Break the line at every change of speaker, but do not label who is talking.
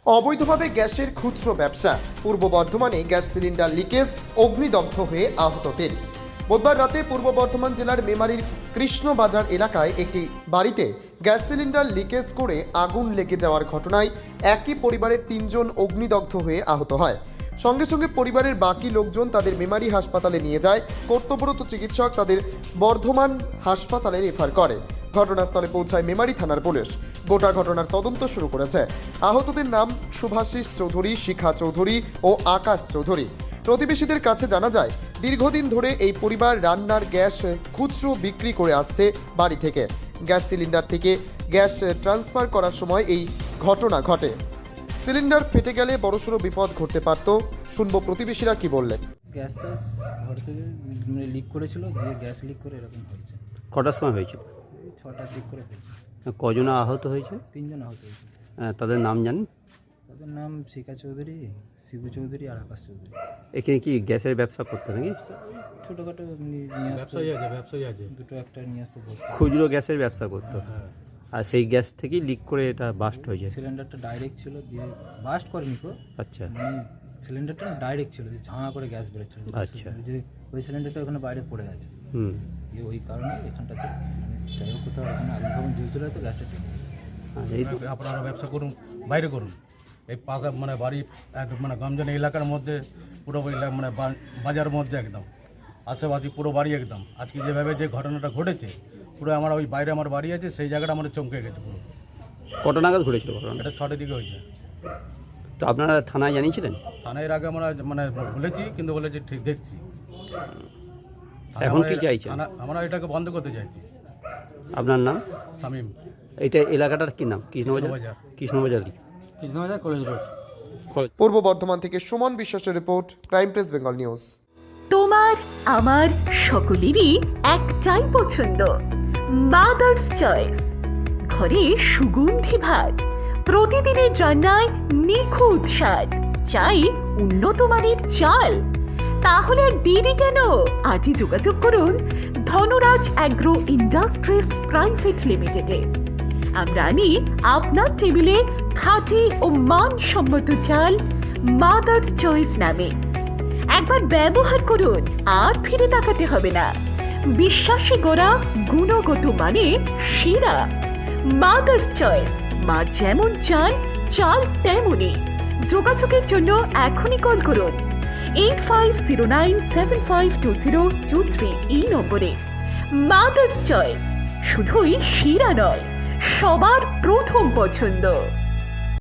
অবৈধভাবে গ্যাসের খুচরো ব্যবসা। পূর্ব বর্ধমানে গ্যাস সিলিন্ডার লিকেজ, অগ্নিদগ্ধ হয়ে আহত ৩। বুধবার রাতে পূর্ব বর্ধমান জেলার মেমারির কৃষ্ণবাজার এলাকায় একটি বাড়িতে গ্যাস সিলিন্ডার লিকেজ করে আগুন লেগে যাওয়ার ঘটনায় একই পরিবারের ৩ জন অগ্নিদগ্ধ হয়ে আহত হয়। সঙ্গে সঙ্গে পরিবারের বাকি লোকজন তাদের মেমারি হাসপাতালে নিয়ে যায়। কর্তব্যরত চিকিৎসক তাদের বর্ধমান হাসপাতালে রেফার করে। ঘটনাস্থলে পৌঁছায় মেমারি থানার পুলিশ। গোটা ঘটনার তদন্ত শুরু করেছে। আহতদের নাম শুভাশিস চৌধুরী, শিখা চৌধুরী ও আকাশ চৌধুরী। প্রতিবেশীদের কাছে জানা যায়, দীর্ঘদিন ধরে এই পরিবার রান্নার গ্যাস খুচরো বিক্রি করে আসছে বাড়ি থেকে। গ্যাস সিলিন্ডার থেকে গ্যাস ট্রান্সফার করার সময় এই ঘটনা ঘটে। সিলিন্ডার ফেটে গেলে বড়সড় বিপদ ঘটতে পারত। শুনবো প্রতিবেশীরা কি বললেন।
গ্যাসটা ঘর থেকে লিক করেছিল, যে গ্যাস লিক করে এরকম হয়েছে।
কটার সময় হয়েছিল?
6টার দিক করে হয়েছে।
কজন আহত হয়েছে?
3 জন আহত হয়েছে।
তাদের নাম জানেন?
তাদের নাম শিখা চৌধুরী, শিবু চৌধুরী আর আকাশ চৌধুরী।
এখানে কি গ্যাসের ব্যবসা করতে নাকি?
ছোটোখাটো ব্যবসায়ী আছে, দুটো একটা নিয়ে আসতে বলতো।
খুচরো গ্যাসের ব্যবসা করতো। আর সেই গ্যাস থেকেই লিক করে এটা বাস্ট হয়েছে।
সিলিন্ডারটা ডাইরেক্ট ছিল, দিয়ে বাস্ট করেনি তো।
আচ্ছা,
মানে সিলিন্ডারটা ডাইরেক্ট ছিল, যে ঝাঁ করে গ্যাস বেরোচ্ছিল।
আচ্ছা।
যে ওই সিলিন্ডারটা ওখানে বাইরে পড়ে আছে, দিয়ে ওই কারণে এখানটাতে যাই হোক কোথাও ওখানে আগুন ফাগুন জ্বলছিল, তো গ্যাসটা চলে গেছে।
এই তো
আপনারা ব্যবসা করুন, বাইরে করুন। এই পাশে মানে বাড়ি একদম মানে গমজনী এলাকার মধ্যে, পুরো মানে বাজারের মধ্যে একদম আশেপাশে পুরো বাড়ি একদম। আজকে যেভাবে যে ঘটনাটা ঘটেছে, পুরো আমার ওই বাইরে আমার বাড়ি আছে, সেই জায়গাটা আমাদের চমকে গেছে পুরো।
কত নাগাদ ঘটেছিল ঘটনা?
এটা 6টার দিকে হয়েছে।
তো আপনারা থানায় জানিয়েছিলেন?
থানায় আগে আমরা মানে বলেছি, কিন্তু বলেছি ঠিক দেখছি।
এখন কি চাইছেন?
আমরা এটাকে বন্ধ করতে চাইছি।
আপনার নাম?
শামীম।
এইটা এলাকাটার কি নাম? কৃষ্ণবাজার। Krishnabazar
college road.
পূর্ব বর্ধমান থেকে সুমন বিশ্বাসের report, crime press Bengal news.
তোমার আমার সকলেরই একটাই পছন্দ, মাদার্স চয়েস। ঘরে সুগন্ধি ভাত, প্রতিদিনের রান্নায় নিখুঁত স্বাদ, চাই উন্নত মানের চাল। তাহলে আর দেরি কেন? আজই যোগাযোগ করুন ধনরাজ অ্যাগ্রো ইন্ডাস্ট্রিজ প্রাইভেট লিমিটেডে। আমরা আনি আপনার টেবিলে খাঁটি ও মানসম্মত চাল মাদার্স চয়েস নামে। একবার ব্যবহার করুন, আর ফিরে তাকাতে হবে না। বিশ্বাসী গোড়া, গুণগত মানে সেরা। মাদার্স চয়েস, মা যেমন চান চাল তেমনই। যোগাযোগের জন্য এখনই কল করুন 8509752023 এই নম্বরে। মাদার্স চয়েস শুধুই সেরা নয়, সবার প্রথম পছন্দ।